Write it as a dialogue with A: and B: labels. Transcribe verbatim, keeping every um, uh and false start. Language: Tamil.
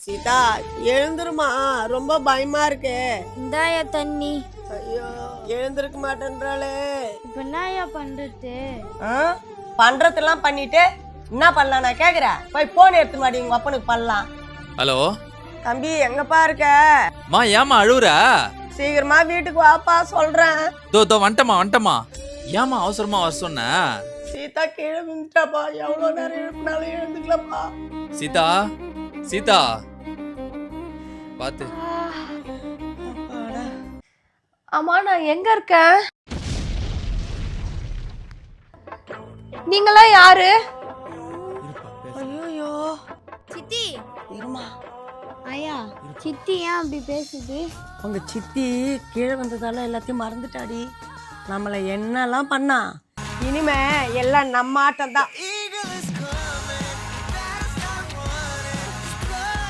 A: சீதா எழுந்துருமா, ரொம்ப பயமா இருக்கு.
B: இந்தாயா தண்ணி.
A: ஐயோ எழுந்திருக்க மாட்டேன்றாளே.
B: இப்ப என்னயா பண்றது?
A: பண்றதெல்லாம் பண்ணிட்டு என்ன பண்ணலாம் நான் கேக்குறேன். போய் போன் எடுத்து மாடி உங்க அப்பனுக்கு பண்ணலாம்.
C: ஹலோ
A: தம்பி எங்கப்பா இருக்க?
C: மா ஏமா அழுவுற?
A: சீக்கிரமா வீட்டுக்கு வாப்பா சொல்றேன்.
C: தோ தோ வந்துட்டமா வந்துட்டமா. ஏமா அவசரமா வர சொன்ன?
A: சீதா கீழே விழுந்துட்டாப்பா. எவ்வளவு நேரம் எழுப்பினாலும் எழுந்துக்கலப்பா.
C: சீதா சீதா பாத்து.
D: ஆமா நான் எங்க இருக்கேன்? நீங்களாம் யாரு?
A: ஐயோ
B: சித்தி
A: இருமா.
B: ஐயா சித்தி ஏன் அப்படி பேசுது?
A: உங்க சித்தி கீழே வந்ததால எல்லாத்தையும் மறந்துட்டாடி. நம்மள என்னெல்லாம் பண்ணா, இனிமே எல்லாம் நம்ம ஆட்டம் தான்.